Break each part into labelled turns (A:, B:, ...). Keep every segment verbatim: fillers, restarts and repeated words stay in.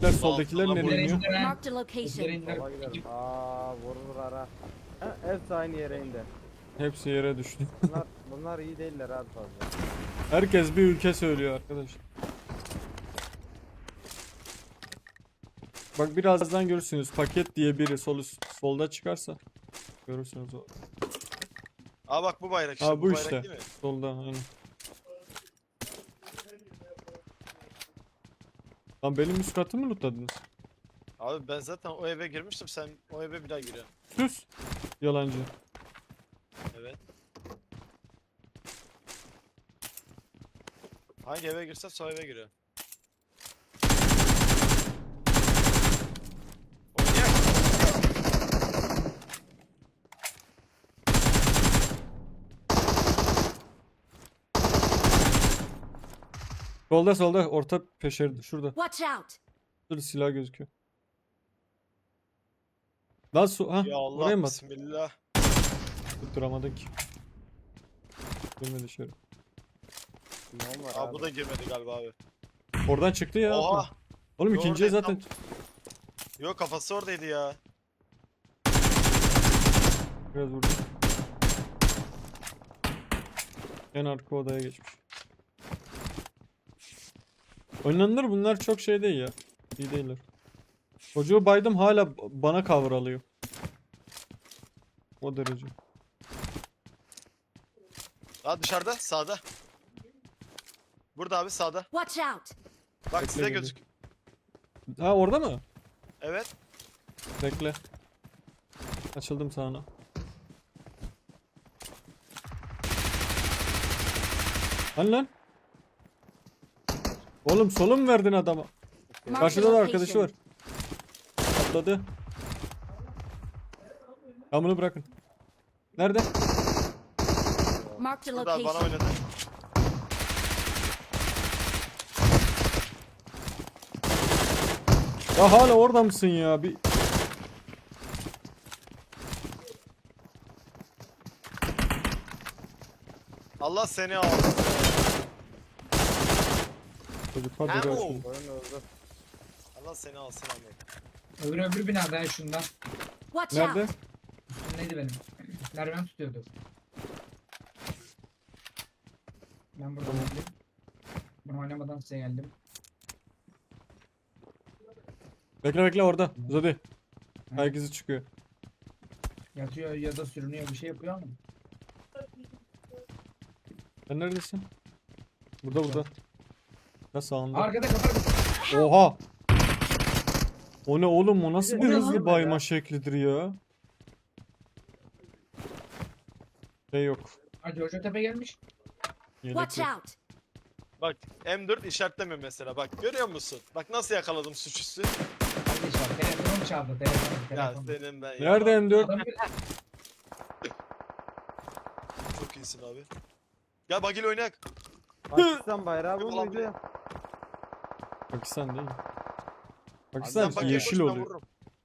A: Soldakiler soldakiler
B: Allah,
A: nereye iniyor?
C: Marked a location.
D: Sola gidelim. Aa vururlar ha. Ha, hepsi aynı yere indi.
A: Hepsi yere düştü.
D: Bunlar, bunlar iyi değiller abi fazla.
A: Herkes bir ülke söylüyor arkadaşlar. Bak birazdan görürsünüz paket diye biri sol üst, solda çıkarsa görürsünüz o.
B: Aa bak bu bayrak işte.
A: Aa bu
B: bayrak
A: işte.
B: değil mi?
A: Solda aynen. Lan benim üst katı mı lootladınız?
B: Abi ben zaten o eve girmiştim, sen o eve bir daha giriyorsun.
A: Sus. Yalancı.
B: Evet. Hangi eve girsen o eve giriyor. Oynayak.
A: Solda solda orta peşerdi şurada.
C: Watch out.
A: Şurada silah gözüküyor. Lan su ha
B: Ya
A: oraya
B: Allah
A: mı at?
B: bismillah.
A: Tutturamadın ki. Girme dışarı.
D: Ne var
B: Aa
D: abi?
B: bu da girmedi galiba abi.
A: Oradan çıktı ya.
B: Oha.
A: Oğlum
B: Yo,
A: ikinciye
B: oradan
A: zaten
B: Yok kafası oradaydı ya.
A: biraz vurdum. En arka odaya geçmiş. Oynanır bunlar çok şey değil ya. İyi değiller. Çocuğu baydım hala bana kavralıyor. O derece.
B: Aa dışarıda sağda. Burada abi sağda.
C: Watch out.
B: Bak
A: Bekle
B: size
A: geliyor.
B: gözük.
A: Ha orada mı?
B: Evet.
A: Bekle. Açıldım sağına. Hani lan? Oğlum solum mu verdin adama?
C: Marked a
A: Karşıda da arkadaşı var.
C: location.
A: Atladı. Ya bunu bırakın. Nerede?
C: Marked a
B: Burada bana
C: location.
B: oynadı.
A: Ya hala orada mısın ya? Bir
B: Allah seni al.
A: çocuk hadi
B: Ha,
A: be
B: o.
A: şunu.
D: Oyun öldü.
B: Allah seni alsın Ahmet.
E: Öbür öbür binada ya şundan.
C: Watch
A: Nerede?
C: out.
E: Üstündeydi benim. Nereden tutuyordu? Ben buradan geldim. Ben oynamadan size geldim.
A: Bekle bekle orada. Uzadı. Herkesi çıkıyor.
E: Yatıyor ya da sürünüyor bir şey yapıyor ama.
A: Sen neredesin? Burada burada. Ya sağında.
E: Arkada kapar.
A: Oha. O ne oğlum o nasıl bir
E: O ne
A: hızlı
E: lan?
A: bayma şeklidir ya? Şey yok.
E: Hadi Jojo Tepe gelmiş.
A: Yelek
C: Watch
A: yok.
C: out.
B: Bak M dört işaretlemiyor mesela. Bak görüyor musun? Bak nasıl yakaladım suçüstü.
E: Kardeş var. Telefonum çaldı. Telefon.
B: Ya
E: Telefon.
B: senin ben ya.
A: Nerede M dört?
E: Adam bir-
B: Çok iyisin abi. Gel bagil oynayak.
D: Pakistan bayrağı bu
B: Ulan
D: muydu?
A: Pakistan değil.
B: Sen
A: Pakistan
B: bagil
A: yeşil
B: koş, ben
A: oluyor.
B: vururum.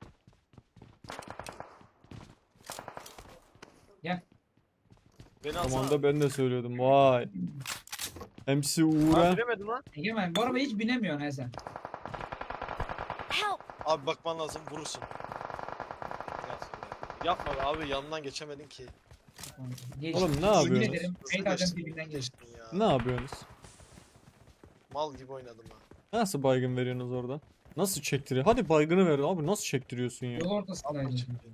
E: Gel.
B: Beni
A: Tamam
B: alsana.
A: da ben de söylüyordum. Vay. M C
B: Aa,
A: Uğur'a.
B: bilemedim lan.
E: Egemen bu arabaya hiç binemiyorsun he sen.
C: Help.
B: Abi bakman lazım vurursun. Gel şöyle. Yapma be abi yanından geçemedin ki.
E: Geç.
A: Oğlum ne
E: Yemin
A: yapıyorsunuz?
E: ederim.
B: Nasıl
E: Beyt alacağım
B: geçtin?
E: dibinden geç.
B: Geçtin ya.
A: Ne yapıyorsunuz?
B: Mal gibi oynadım ha.
A: Nasıl baygın veriyorsunuz oradan? Nasıl çektiriyor? Hadi baygını ver abi. Nasıl çektiriyorsun ya?
E: Yol ortasındaydı.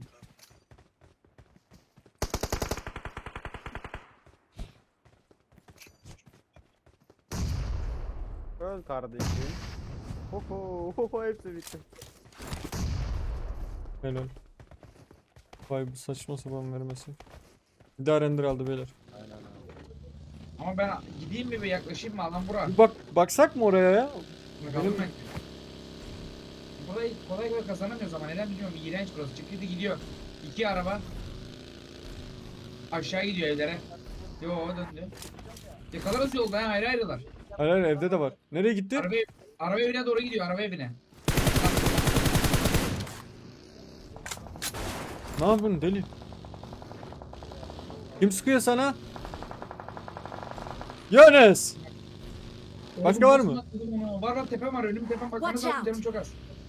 D: Öl kardeşim. Oho, oho hepsi bitti.
A: Helal. Vay bu saçma sapan vermesi. Bir daha render aldı beyler.
D: Aynen abi.
E: Ama ben gideyim mi bir yaklaşayım mı alan bura?
A: Bir bak baksak mı oraya ya?
E: Bakalım
A: Benim-
E: ben. Burayı kolay kolay kazanamıyoruz ama neden bilmiyorum. İğrenç burası. Çıktı gidiyor. İki araba. Aşağı gidiyor evlere. Yo döndü. Yakalarız yolda ha ayrı ayrılar.
A: Hayır hayır evde de var. Nereye gitti?
E: Araba, araba evine doğru gidiyor araba evine.
A: Ne yapıyorsun deli? Kim sıkıyor sana? Yunus! Başka var mı?
E: Oğlum, Var var tepem var önüm tepem bakmanız
C: Watch
E: lazım
C: out.
E: canım çok az.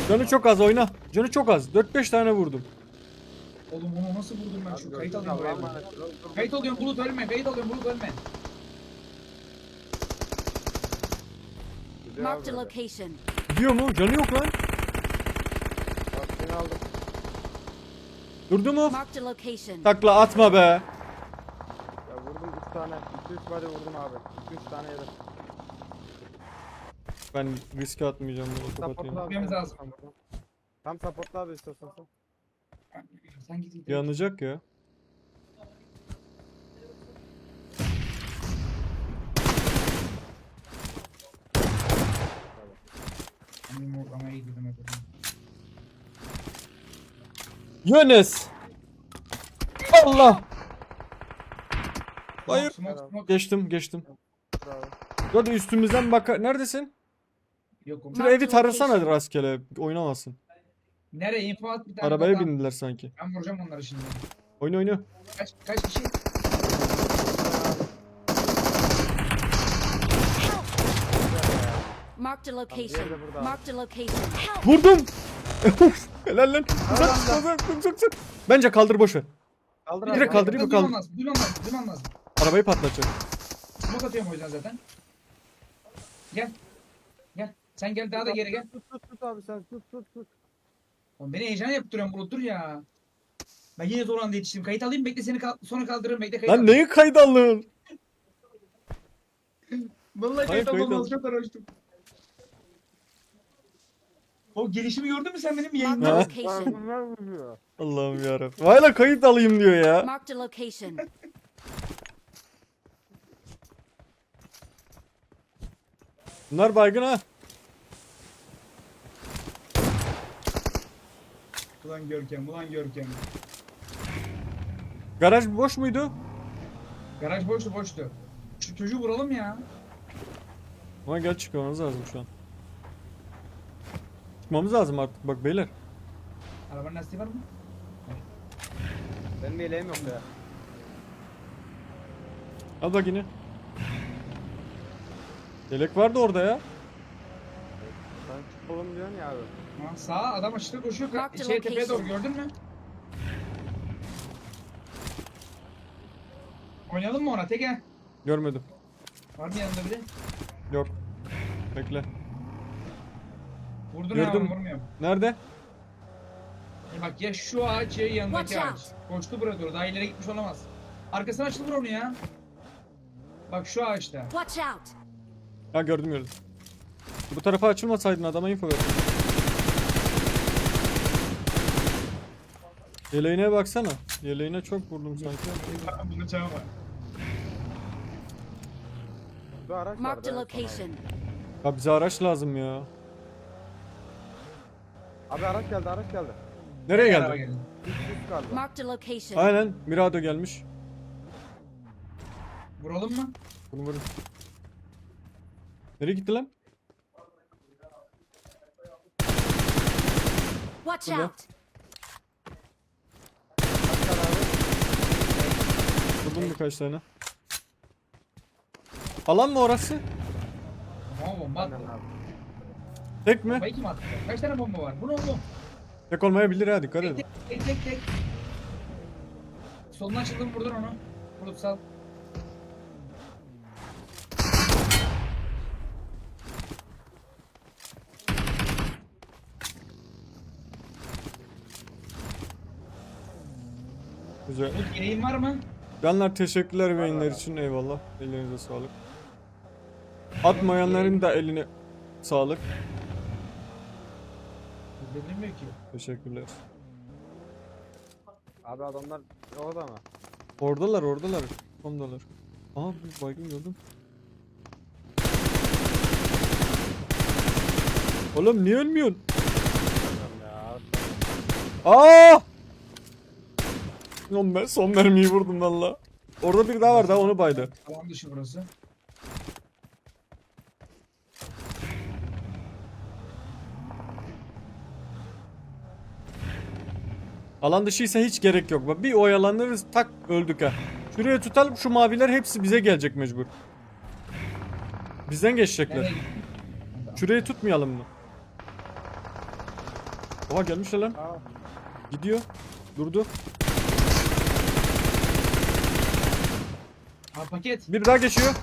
A: Canı çok az oyna. Canı çok az. dört beş tane vurdum.
E: Oğlum onu nasıl vurdum ben
D: Abi
E: şu
D: gördün
E: kayıt
D: mü?
E: alıyorum
D: Allah'a
E: buraya.
D: emanet ol. Dur, dur.
E: Kayıt alıyorum Bulut ölme. Kayıt alıyorum Bulut ölme.
D: Gidiyor
C: Marked a
D: abi böyle.
C: location.
A: Gidiyor mu? Canı yok lan.
D: Bak seni aldım.
A: Durdu mu?
C: Marked a location.
A: Takla atma be.
D: Ya vurdum üç tane. iki üç body vurdum abi. iki üç tane yedim.
A: Ben riske atmayacağım bunu
D: Supportla
A: kapatayım.
D: abi.
E: Gitmemiz
D: sen.
E: lazım.
D: Tam supportla abi istiyorsan sen.
E: Sen git git.
A: Yanacak ya.
E: Benim ortamaya gidelim hep.
A: Yunus. Allah. Hayır.
E: Smoke, smoke.
A: Geçtim geçtim.
D: Bravo.
A: Hadi üstümüzden bak. Neredesin?
E: Yok oğlum.
A: Şu evi tarasana rastgele. Oynamasın.
E: Nereye? Info at bir tane.
A: Arabaya
E: adam.
A: bindiler sanki.
E: Ben vuracağım onları şimdi.
A: Oyna oyna.
E: Kaç kaç kişi?
C: Marked a
D: Diğeri
C: location.
D: de burada abi.
C: Marked a location. Help!
A: Vurdum. Helal lan. Uzak uzak uzak uzak. Bence kaldır boş ver.
D: Kaldır
A: Direkt
D: abi.
A: kaldırayım mı?
E: Duymam
A: Kaldır.
E: lazım. Duymam lazım. Duymam lazım.
A: Arabayı patlatacak.
E: Smoke atıyorum o yüzden zaten. Gel. Gel. Sen gel daha da geri gel.
D: Tut tut tut abi sen tut tut tut.
E: Oğlum beni heyecan yaptırıyorsun Bulut dur ya. Ben yine zor anda yetiştim. Kayıt alayım bekle seni kal sonra kaldırırım bekle kayıt
A: Lan
E: alayım.
A: neyi kayda alın?
E: Vallahi
A: Hayır,
E: kayıt
A: kayıt
E: almam
A: al.
E: lazım çok araştım. O gelişimi gördün mü sen benim
C: Marked
E: yayında?
C: a
A: Ha?
C: location.
D: Bunlar vuruyor.
A: Allah'ım yarabbim. Hala kayıt alayım diyor ya.
C: Marked a location.
A: Bunlar baygın ha.
E: Ulan Görkem ulan Görkem.
A: Garaj boş muydu?
E: Garaj boştu boştu. Şu çocuğu vuralım ya.
A: Ama gel çıkmamız lazım şu an. Çıkmamız lazım artık bak beyler.
E: Arabanın lastiği var mı?
D: Benim yeleğim yok ya.
A: Al bak yine. Yelek vardı orada ya.
D: Sen çık oğlum diyorsun ya abi.
E: Ha, sağa adam açıkta koşuyor. Ka-
C: Marked
E: Şey tepeye doğru
C: location.
E: gördün mü? Oynayalım mı ona? Teke.
A: Görmedim.
E: Var mı yanında biri?
A: Yok. Bekle.
E: Vurdun
A: Gördüm.
E: ama vurmuyorum.
A: Nerede?
E: E bak ya şu ağaç ya yanındaki
C: Watch
E: ağaç. Koştu buraya doğru. Daha ileri gitmiş olamaz. Arkasına açtı vur onu ya. Bak şu ağaçta.
C: Watch out!
A: Ha gördüm gördüm. Bu tarafa açılmasaydın adama info ver. Yeleğine baksana. Yeleğine çok vurdum sanki.
E: Bunu çağırma.
D: Bu araç
C: Marked a
D: vardı. en son
C: location.
A: Ya bize araç lazım ya.
D: Abi. Abi araç geldi araç geldi.
A: Nereye
E: Araba
A: geldi?
E: geldi.
D: Üst üst galiba.
C: Marked a location.
A: Aynen Mirado gelmiş.
E: Vuralım mı?
A: Bunu vurun. Nereye gitti lan?
C: Watch
A: Burada.
C: out!
D: Kaç tane abi?
A: Vurdum birkaç tane. Alan mı orası?
E: Bomba bomba attı.
D: Aynen abi.
A: Tek mi?
E: Bombayı kim attı? Kaç tane bomba var? Bu ne oğlum?
A: Tek olmayabilir ha dikkat
E: Tek
A: edin.
E: tek tek tek tek. Soluna açıldım vurdun onu. Vurup sal.
A: Güzel.
E: Umut gereğin var mı?
A: Canlar teşekkürler beyinler için eyvallah. Ellerinize sağlık. Atmayanların da eline sağlık.
E: Bilmiyor ki.
A: Teşekkürler.
D: Abi adamlar orada mı?
A: Oradalar oradalar. Ondalar. Aha bir baygın gördüm. Oğlum niye ölmüyorsun?
D: Bilmiyorum ya.
A: Aa! Son, ben son mermiyi vurdum valla. Orada bir daha var daha onu baydı.
E: Alan dışı burası.
A: Alan dışıysa hiç gerek yok. Bak bir oyalanırız tak öldük ha. Şuraya tutalım şu maviler hepsi bize gelecek mecbur. Bizden geçecekler.
E: Nereye gittin?
A: Şurayı tutmayalım mı? Oha gelmişler lan.
D: Aa,
A: Gidiyor. Durdu.
E: Abi paket.
A: Bir daha geçiyor.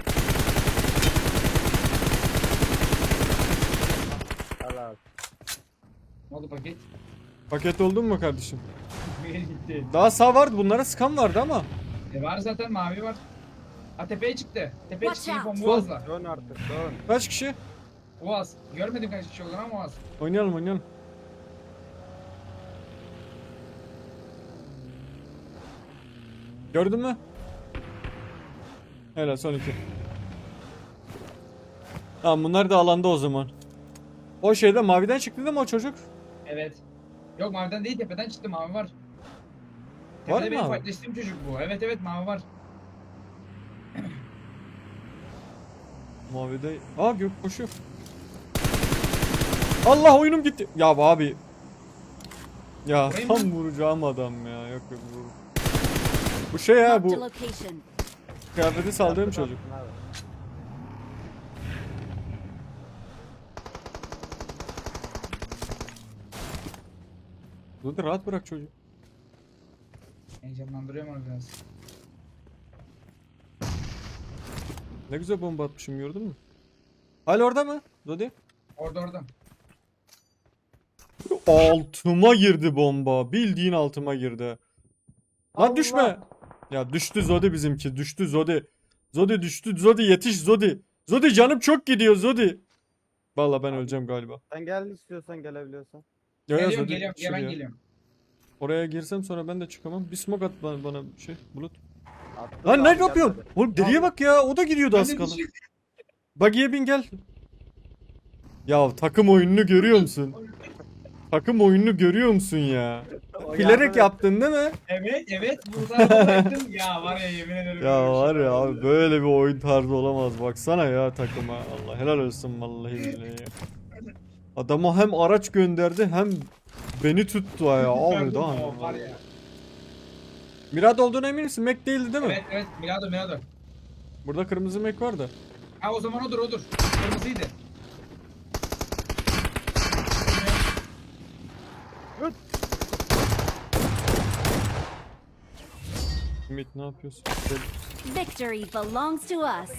D: al abi.
E: Ne oldu paket?
A: Paket oldun mu kardeşim?
E: Bir yere gitti.
A: Daha sağ vardı. Bunlara sıkan vardı ama.
E: E var zaten mavi var. Ha tepeye çıktı. Tepeye
C: Watch
E: çıktı.
C: out.
E: İpon Boğaz'la.
D: Dön artık dön.
A: Kaç kişi?
E: Boğaz. Görmedim kaç kişi olduğunu ama Boğaz.
A: Oynayalım oynayalım. Gördün mü? Helal son iki. Tamam bunlar da alanda o zaman. O şeyde maviden çıktı değil mi o çocuk?
E: Evet. Yok maviden değil tepeden çıktı mavi var.
A: Var
E: Tepede
A: mı
E: benim
A: abi?
E: fightleştiğim çocuk bu. Evet evet mavi var.
A: Mavide. Aa gök koşuyor. Allah oyunum gitti. Ya abi. Ya
E: Vurayım
A: tam
E: mı?
A: vuracağım adam ya. Yok yok vur. Bu şey ya
C: Marked a
A: bu
C: location.
A: kıyafeti saldığım
D: Yaptın,
A: çocuk.
D: yaptın abi.
A: Dur rahat bırak çocuğu.
E: Heyecanlandırıyorum onu biraz.
A: Ne güzel bomba atmışım gördün mü? Hala orada mı? Dodi?
E: Orada orada.
A: Altıma girdi bomba. Bildiğin altıma girdi. Lan
D: Allah!
A: düşme. Ya düştü Zodi bizimki. Düştü Zodi. Zodi düştü. Zodi yetiş Zodi. Zodi canım çok gidiyor Zodi. Vallahi ben öleceğim galiba.
D: Sen gel istiyorsan gelebiliyorsan.
A: Ya ya
E: Geliyorum
A: Zodi
E: geliyorum. Ya ben
A: şuraya.
E: geliyorum.
A: Oraya girsem sonra ben de çıkamam. Bir smoke at bana, bana şey bulut.
D: Attım
A: Lan
D: abi,
A: ne
D: gel
A: yapıyorsun?
D: hadi.
A: Oğlum deliye bak ya. O da gidiyordu
E: Ben
A: az
E: de
A: kalın.
E: düşüyorum.
A: Buggy'e bin gel. Ya takım oyununu görüyor musun? Takım oyununu görüyor musun ya?
D: O
A: Bilerek
D: yardım et.
A: yaptın değil mi?
E: Evet evet. Burada bıraktım. Ya var ya yemin ederim.
A: Ya
E: böyle bir
A: var
E: şey
A: ya
E: olmadı.
A: abi böyle bir oyun tarzı olamaz. Baksana ya takıma. Allah helal olsun vallahi billahi ya. Adama hem araç gönderdi hem beni tuttu ya. Abi
E: Gördüm
A: daha
E: o,
A: ne
E: var
A: var
E: ya.
A: Mirad olduğuna emin misin? Mac değildi değil mi?
E: Evet evet. Milado Milado.
A: Burada kırmızı Mac var da.
E: Ha o zaman odur odur. Kırmızıydı.
A: Ümit ne yapıyorsun?
C: Victory belongs to us.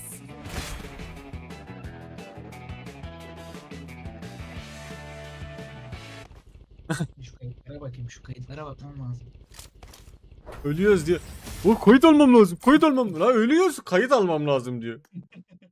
E: Şu kayıtlara bakayım. Şu kayıtlara bakmam lazım.
A: Ölüyoruz diye. O kayıt almam lazım. Kayıt almam lazım. Lan ölüyoruz. Kayıt almam lazım diyor.